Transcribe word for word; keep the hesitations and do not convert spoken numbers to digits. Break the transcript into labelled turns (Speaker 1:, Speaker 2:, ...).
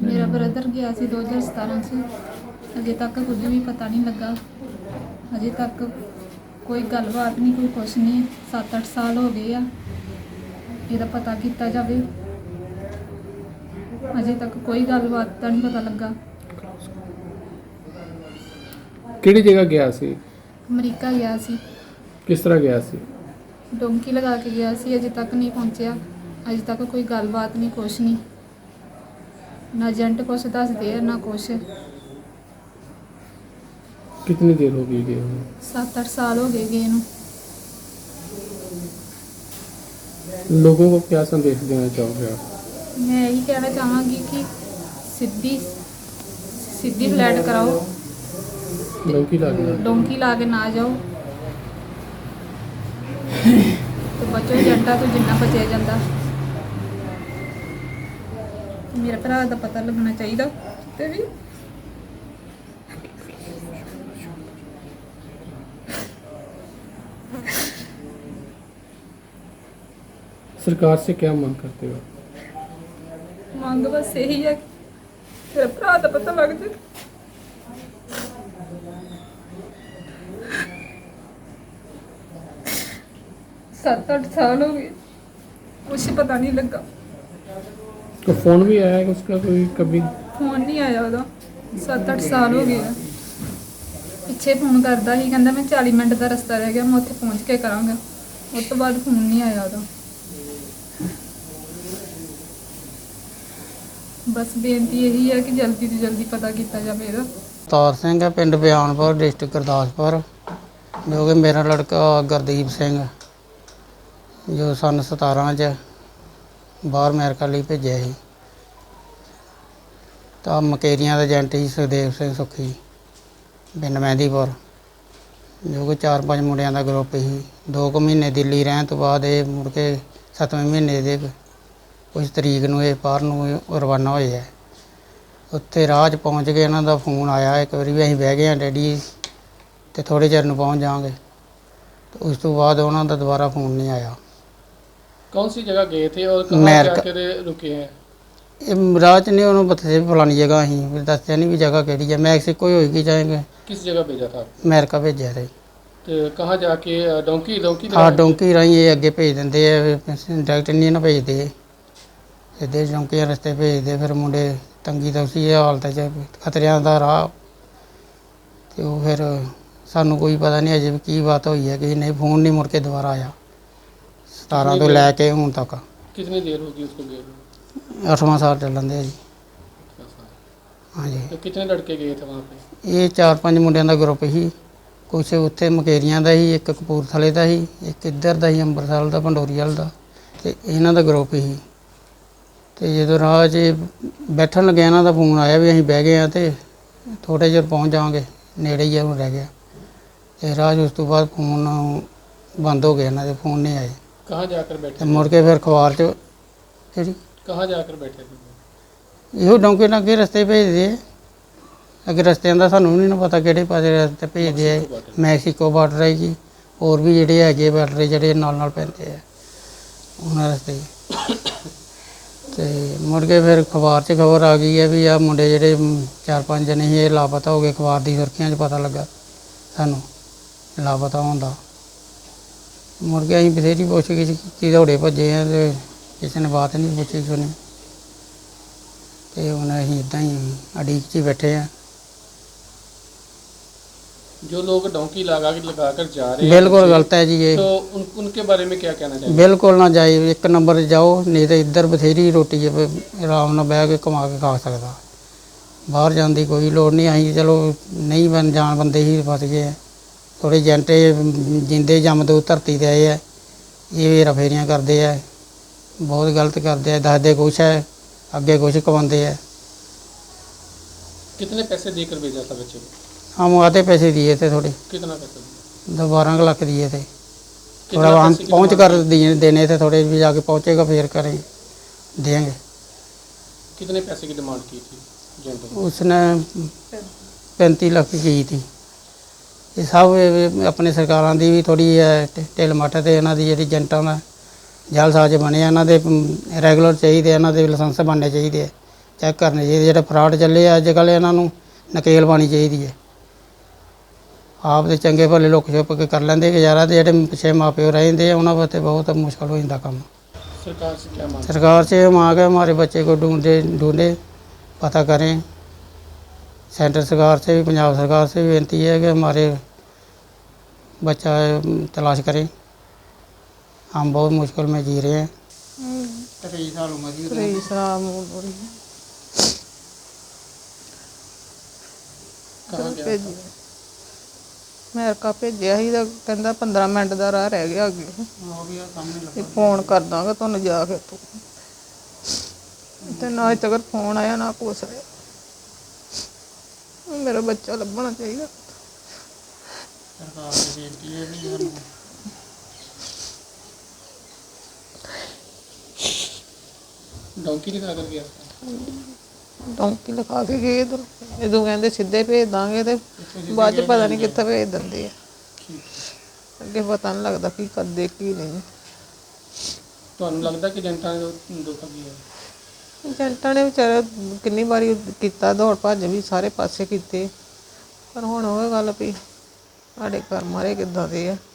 Speaker 1: ਮੇਰਾ ਬ੍ਰਦਰ ਗਿਆ ਸੀ ਦੋ ਹਜ਼ਾਰ ਸਤਾਰਾਂ 'ਚ। ਅਜੇ ਤੱਕ ਕੁਝ ਵੀ ਪਤਾ ਨਹੀਂ ਲੱਗਾ। ਅਜੇ ਤੱਕ ਕੋਈ ਗੱਲਬਾਤ ਨਹੀਂ, ਕੋਈ ਕੁਛ ਨਹੀਂ। ਸੱਤ ਅੱਠ ਸਾਲ ਹੋ ਗਏ ਆ। ਇਹਦਾ ਪਤਾ ਕੀਤਾ ਜਾਵੇ। ਅਜੇ ਤੱਕ ਕੋਈ ਗੱਲਬਾਤ ਦਾ ਨਹੀਂ ਪਤਾ ਲੱਗਾ।
Speaker 2: ਕਿਹੜੀ ਜਗ੍ਹਾ ਗਿਆ ਸੀ?
Speaker 1: ਅਮਰੀਕਾ ਗਿਆ ਸੀ।
Speaker 2: ਕਿਸ ਤਰ੍ਹਾਂ ਗਿਆ ਸੀ?
Speaker 1: ਡੋਂਕੀ ਲਗਾ ਕੇ ਗਿਆ ਸੀ। ਅਜੇ ਤੱਕ ਨਹੀਂ ਪਹੁੰਚਿਆ। ਅਜੇ ਤੱਕ ਕੋਈ ਗੱਲਬਾਤ ਨਹੀਂ, ਕੁਛ ਨਹੀਂ। ਨਾ ਏਜੰਟ ਕੁਛ ਦੱਸਦੇ ਆ, ਨਾ ਕੁਛ।
Speaker 2: कितनी देर हो गई गए हुए?
Speaker 1: ਸੱਤ ਅੱਠ ਸਾਲ ਹੋ ਗਏ ਗਏ ਨੂੰ।
Speaker 2: लोगों को क्या संदेश देना चाहोगे आप?
Speaker 1: मैं यही कहना चाहूँगी कि सीधी सीधी फ्लैट कराओ,
Speaker 2: डोंकी लागना।
Speaker 1: डोंकी ला के ना जाओ तो बचो ਏਜੰਟਾਂ ਤੋਂ जिन्ना बचा जाता। मेरे भरा का पता लगना चाहिए ते भी।
Speaker 2: सरकार से क्या मांग करते हो?
Speaker 1: ਮੰਗ बस यही है कि मेरे भरा का पता लग जाए। सात आठ साल हो गए, कुछ पता नहीं लगा।
Speaker 2: तो फोन भी आया है उसका कोई कभी?
Speaker 1: फोन नहीं आया ਉਹਦਾ। ਸੱਤ ਅੱਠ ਸਾਲ ਹੋ ਗਏ ਆ। ਪਿੱਛੇ ਫੋਨ ਕਰਦਾ ਸੀ, ਕਹਿੰਦਾ ਮੈਂ ਚਾਲੀ ਮਿੰਟ ਦਾ ਰਸਤਾ ਰਹਿ ਗਿਆ, ਮੈਂ ਉੱਥੇ ਪਹੁੰਚ ਕੇ ਕਰਾਂਗਾ। ਉਸ ਤੋਂ ਬਾਅਦ ਫੋਨ ਨਹੀਂ ਆਇਆ ਉਹਦਾ। ਬਸ ਬੇਨਤੀ ਇਹੀ ਹੈ ਕਿ ਜਲਦੀ ਤੋਂ ਜਲਦੀ ਪਤਾ ਕੀਤਾ ਜਾਵੇ ਇਹਦਾ।
Speaker 3: ਅਵਤਾਰ ਸਿੰਘ ਹੈ, ਪਿੰਡ ਬਿਆਨਪੁਰ, ਡਿਸਟ੍ਰਿਕਟ ਗੁਰਦਾਸਪੁਰ, ਜੋ ਕਿ ਮੇਰਾ ਲੜਕਾ ਗੁਰਦੀਪ ਸਿੰਘ ਜੋ ਸੰਨ ਸਤਾਰਾਂ 'ਚ ਬਾਹਰ ਅਮਰੀਕਾ ਲਈ ਭੇਜਿਆ ਸੀ। ਤਾਂ ਮਕੇਰੀਆਂ ਦਾ ਏਜੰਟ ਸੀ ਸੁਖਦੇਵ ਸਿੰਘ ਸੁੱਖੀ, ਪਿੰਡ ਮਹਿੰਦੀਪੁਰ, ਜੋ ਕਿ ਚਾਰ ਪੰਜ ਮੁੰਡਿਆਂ ਦਾ ਗਰੁੱਪ ਸੀ। ਦੋ ਕੁ ਮਹੀਨੇ ਦਿੱਲੀ ਰਹਿਣ ਤੋਂ ਬਾਅਦ ਇਹ ਮੁੜ ਕੇ ਸੱਤਵੇਂ ਮਹੀਨੇ ਦੇ ਕੁਛ ਤਰੀਕ ਨੂੰ ਇਹ ਬਾਹਰ ਨੂੰ ਰਵਾਨਾ ਹੋਏ ਹੈ। ਉੱਥੇ ਰਾਹ 'ਚ ਪਹੁੰਚ ਕੇ ਇਹਨਾਂ ਦਾ ਫੋਨ ਆਇਆ ਇੱਕ ਵਾਰੀ ਵੀ ਅਸੀਂ ਬਹਿ ਗਏ ਹਾਂ ਡੈਡੀ ਅਤੇ ਥੋੜ੍ਹੇ ਚਿਰ ਨੂੰ ਪਹੁੰਚ ਜਾਵਾਂਗੇ। ਅਤੇ ਉਸ ਤੋਂ ਬਾਅਦ ਉਹਨਾਂ ਦਾ ਦੁਬਾਰਾ ਫੋਨ ਨਹੀਂ ਆਇਆ।
Speaker 2: कौन सी जगह गए थे और कहाँ
Speaker 3: अमेरिका।
Speaker 2: जाकर रुके हैं?
Speaker 3: ਇਹ ਰਾਹ 'ਚ ਨਹੀਂ ਉਹਨੂੰ ਬਥੇ ਫਲਾਣੀ ਜਗ੍ਹਾ ਅਸੀਂ ਵੀ ਦੱਸਿਆ ਨਹੀਂ ਵੀ ਜਗ੍ਹਾ ਕਿਹੜੀ ਹੈ। ਮੈਕਸੀਕੋ ਹੀ ਹੋਏਗੀ ਚਾਹੇ
Speaker 2: किस जगह भेजा था?
Speaker 3: ਅਮਰੀਕਾ ਭੇਜਿਆ ਤੇ
Speaker 2: तो कहाँ जाके डोंकी डोंकी
Speaker 3: ਹਾਂ ਡੋਂਕੀ ਰਾਹੀਂ ਇਹ ਅੱਗੇ ਭੇਜ ਦਿੰਦੇ ਆ, ਡਾਇਰੈਕਟ ਨਹੀਂ ਨਾ ਭੇਜਦੇ, ਸਿੱਧੇ ਡੋਂਕੀ ਰਸਤੇ ਭੇਜਦੇ। ਫਿਰ ਮੁੰਡੇ ਤੰਗੀ ਤਾਂ ਉਸੀ ਹਾਲਤ 'ਚ ਖਤਰਿਆਂ ਦਾ ਰਾਹ। ਅਤੇ ਉਹ ਫਿਰ ਸਾਨੂੰ ਕੋਈ ਪਤਾ ਨਹੀਂ ਅਜੇ ਵੀ ਕੀ ਬਾਤ ਹੋਈ ਹੈ ਕਿ ਨਹੀਂ। ਫੋਨ ਨਹੀਂ ਮੁੜ ਕੇ ਦੁਬਾਰਾ ਆਇਆ ਸਤਾਰਾਂ ਤੋਂ ਲੈ ਕੇ ਹੁਣ ਤੱਕ।
Speaker 2: कितनी देर होगी उसको गए हुए?
Speaker 3: ਅੱਠਵਾਂ ਸਾਲ ਚੱਲਣ ਦੇ ਜੀ।
Speaker 2: अच्छा।
Speaker 3: ਹਾਂਜੀ
Speaker 2: तो कितने लड़के गए थे वहाँ पे?
Speaker 3: ਇਹ ਚਾਰ ਪੰਜ ਮੁੰਡਿਆਂ ਦਾ ਗਰੁੱਪ ਸੀ। ਕੁਛ ਉੱਥੇ ਮਕੇਰੀਆਂ ਦਾ ਸੀ, ਇੱਕ ਕਪੂਰਥਲੇ ਦਾ ਸੀ, ਇੱਕ ਇੱਧਰ ਦਾ ਸੀ ਅੰਮ੍ਰਿਤਸਰ ਦਾ, ਪੰਡੋਰੀ ਵਾਲ ਦਾ, ਅਤੇ ਇਹਨਾਂ ਦਾ ਗਰੁੱਪ ਸੀ। ਅਤੇ ਜਦੋਂ ਰਾਹ 'ਚ ਬੈਠਣ ਲੱਗਿਆ ਇਹਨਾਂ ਦਾ ਫੋਨ ਆਇਆ ਵੀ ਅਸੀਂ ਬਹਿ ਗਏ ਹਾਂ ਅਤੇ ਥੋੜ੍ਹੇ ਚਿਰ ਪਹੁੰਚ ਜਾਵਾਂਗੇ, ਨੇੜੇ ਹੀ ਆ ਹੁਣ ਰਹਿ ਗਿਆ। ਅਤੇ ਰਾਹ 'ਚ ਉਸ ਤੋਂ ਬਾਅਦ ਫੋਨ ਬੰਦ ਹੋ ਗਿਆ, ਇਹਨਾਂ ਦੇ ਫੋਨ ਨਹੀਂ ਆਏ।
Speaker 2: कहाँ जाकर
Speaker 3: ਅਤੇ
Speaker 2: बैठे?
Speaker 3: ਮੁੜ ਕੇ ਫਿਰ ਅਖਬਾਰ 'ਚ ਜਿਹੜੀ
Speaker 2: कहाँ जाकर बैठे थे?
Speaker 3: ਇਹੋ ਡੌਂਕੇ ਨਾਲ ਅੱਗੇ ਰਸਤੇ ਭੇਜਦੇ ਆ। ਅੱਗੇ ਰਸਤਿਆਂ ਦਾ ਸਾਨੂੰ ਨਹੀਂ ਨਾ ਪਤਾ ਕਿਹੜੇ ਪਾਸੇ ਰਸਤੇ ਭੇਜਦੇ ਆ। ਮੈਕਸੀਕੋ ਬਾਰਡਰ ਹੈ ਜੀ, ਹੋਰ ਵੀ ਜਿਹੜੇ ਹੈਗੇ ਬਾਰਡਰ ਜਿਹੜੇ ਨਾਲ ਨਾਲ ਪੈਂਦੇ ਆ ਉਹਨਾਂ ਰਸਤੇ। ਅਤੇ ਮੁੜ ਕੇ ਫਿਰ ਅਖਬਾਰ 'ਚ ਖਬਰ ਆ ਗਈ ਹੈ ਵੀ ਆਹ ਮੁੰਡੇ ਜਿਹੜੇ ਚਾਰ ਪੰਜ ਜਣੇ ਸੀ ਇਹ ਲਾਪਤਾ ਹੋ ਗਏ। ਅਖਬਾਰ ਦੀ ਸੁਰਖੀਆਂ 'ਚ ਪਤਾ ਲੱਗਾ ਸਾਨੂੰ ਲਾਪਤਾ ਹੋਣ ਦਾ। ਮੁੜ ਕੇ ਅਸੀਂ ਬਥੇਰੀ ਪੁੱਛ-ਗਿੱਛ ਕੀਤੀ, ਦੌੜੇ ਭੱਜੇ ਆ ਅਤੇ ਕਿਸੇ ਨੇ ਬਾਤ ਨਹੀਂ ਪੁੱਛੀ ਸੁਣੀ। ਅਤੇ ਹੁਣ ਅਸੀਂ ਇੱਦਾਂ ਹੀ ਉਡੀਕ 'ਚ ਹੀ ਬੈਠੇ ਹਾਂ।
Speaker 2: जो लोग डोंकी लगा के लगा कर जा रहे हैं
Speaker 3: ਬਿਲਕੁਲ ਗਲਤ ਹੈ ਜੀ ਇਹ।
Speaker 2: तो उन, उनके बारे में क्या कहना चाहिए?
Speaker 3: ਬਿਲਕੁਲ ਨਾ ਜਾਏ। ਇੱਕ ਨੰਬਰ 'ਤੇ ਜਾਓ, ਨਹੀਂ ਤਾਂ ਇੱਧਰ ਬਥੇਰੀ ਰੋਟੀ ਹੈ, ਆਰਾਮ ਨਾਲ ਬਹਿ ਕੇ ਕਮਾ ਕੇ ਖਾ ਸਕਦਾ। ਬਾਹਰ ਜਾਣ ਦੀ ਕੋਈ ਲੋੜ ਨਹੀਂ। ਅਸੀਂ ਚਲੋ ਨਹੀਂ ਬਣ ਜਾਣ ਬੰਦੇ ਹੀ ਫਸ ਗਏ ਆ। ਥੋੜ੍ਹੇ ਏਜੰਟ ਜਿੰਦੇ ਜੰਮਦੂ ਧਰਤੀ 'ਤੇ ਆਏ ਆ, ਇਹ ਹੇਰਾ ਫੇਰੀਆਂ ਕਰਦੇ ਆ, ਬਹੁਤ ਗਲਤ ਕਰਦੇ ਆ, ਦੱਸਦੇ ਕੁਛ ਹੈ ਅੱਗੇ ਕੁਛ ਕਮਾਉਂਦੇ ਆ।
Speaker 2: कितने पैसे देकर भेजा था बच्चे को?
Speaker 3: हम आते पैसे दिए थे थोड़े,
Speaker 2: कितना पैसा दिया?
Speaker 3: दस बारह लाख दिए थे।
Speaker 2: कितना
Speaker 3: थोड़ा हम
Speaker 2: पैसे की
Speaker 3: पहुँच
Speaker 2: डिमांड
Speaker 3: कर
Speaker 2: की?
Speaker 3: दिए देने थे, थोड़े भी जाके पहुँचेगा फिर करें देंगे।
Speaker 2: कितने पैसे की डिमांड की थी एजेंट ने?
Speaker 3: उसने पैंतीस लाख की थी। ਇਹ ਸਭ ਇਹ ਆਪਣੇ ਸਰਕਾਰਾਂ ਦੀ ਵੀ ਥੋੜ੍ਹੀ ਢਿੱਲ ਮੱਠ ਅਤੇ ਇਹਨਾਂ ਦੀ ਜਿਹੜੀ ਏਜੰਟਾਂ ਦਾ ਜਾਲਸਾਜ਼ ਬਣਿਆ। ਇਹਨਾਂ ਦੇ ਰੈਗੂਲਰ ਚਾਹੀਦੇ, ਇਹਨਾਂ ਦੇ ਲਾਇਸੈਂਸ ਬਣਨੇ ਚਾਹੀਦੇ ਆ। ਚੈੱਕ ਕਰਨੇ ਚਾਹੀਦੇ। ਜਿਹੜੇ ਫਰਾਡ ਚੱਲੇ ਆ ਅੱਜ ਕੱਲ੍ਹ, ਇਹਨਾਂ ਨੂੰ ਨਕੇਲ ਪਾਉਣੀ ਚਾਹੀਦੀ ਹੈ। ਆਪ ਦੇ ਚੰਗੇ ਭਲੇ ਲੁੱਕ ਛੁਪ ਕੇ ਕਰ ਲੈਂਦੇ ਗੁਜ਼ਾਰਾ, ਤੇ ਜਿਹੜੇ ਪਿੱਛੇ ਮਾਂ ਪਿਓ ਰਹਿੰਦੇ ਆ ਉਹਨਾਂ ਵਾਸਤੇ ਬਹੁਤ ਮੁਸ਼ਕਲ ਹੋ ਜਾਂਦਾ ਕੰਮ।
Speaker 2: सरकार से क्या मांग?
Speaker 3: सरकार से मांग है हमारे बच्चे को ढूंढे ढूंढे पता करें। सेंट्रल सरकार से भी, पंजाब सरकार से भी विनती है कि हमारे बच्चा तलाश करें। हम बहुत मुश्किल में जी रहे हैं। तेईस साल उम्र की
Speaker 4: तेईस साल उम्र हो रही है।
Speaker 2: कहाँ गया
Speaker 4: ਭੇਜੀ ਅਮਰੀਕਾ ਭੇਜਿਆ ਸੀ ਤਾਂ ਕਹਿੰਦਾ ਪੰਦਰਾਂ ਮਿੰਟ ਦਾ ਰਾਹ ਰਹਿ ਗਿਆ ਅੱਗੇ,
Speaker 3: वो भी सामने
Speaker 4: ਤੇ ਫੋਨ ਕਰ ਦਾਂਗਾ ਤੁਹਾਨੂੰ ਜਾ ਕੇ ਤੂੰ, ਤੇ ਨਾ ਅਜੇ ਤੱਕ ਫੋਨ ਆਇਆ ਨਾ ਕੁਛ ਆਇਆ। ਮੇਰਾ ਬੱਚਾ ਲੱਭਣਾ ਚਾਹੀਦਾ।
Speaker 3: सरकार से बेनती है भी हम
Speaker 2: डोंकी निकाल कर गया था?
Speaker 4: ਡੌਂਕੀ ਲਿਖਾ ਕੇ ਗਏ ਇੱਧਰ, ਜਦੋਂ ਕਹਿੰਦੇ ਸਿੱਧੇ ਭੇਜ ਦਾਂਗੇ ਤੇ ਬਾਅਦ ਚ ਪਤਾ ਨਹੀਂ ਕਿੱਥੇ ਭੇਜ ਦਿੰਦੇ ਆ। ਅੱਗੇ ਪਤਾ ਨਹੀਂ ਲੱਗਦਾ ਕੀ ਕਰਦੇ ਕੀ ਨਹੀਂ।
Speaker 2: ਤੁਹਾਨੂੰ ਲੱਗਦਾ ਕਿ ਜਨਤਾ ਨੇ ਧੋਖਾ ਕੀਤਾ?
Speaker 4: ਏਜੰਟਾਂ ਨੇ ਵਿਚਾਰੇ ਕਿੰਨੀ ਵਾਰੀ ਕੀਤਾ, ਦੌੜ ਭੱਜ ਵੀ ਸਾਰੇ ਪਾਸੇ ਕੀਤੇ, ਪਰ ਹੁਣ ਉਹ ਗੱਲ ਵੀ ਸਾਡੇ ਘਰ ਮਾਰੇ ਕਿੱਦਾਂ ਦੇ ਆ।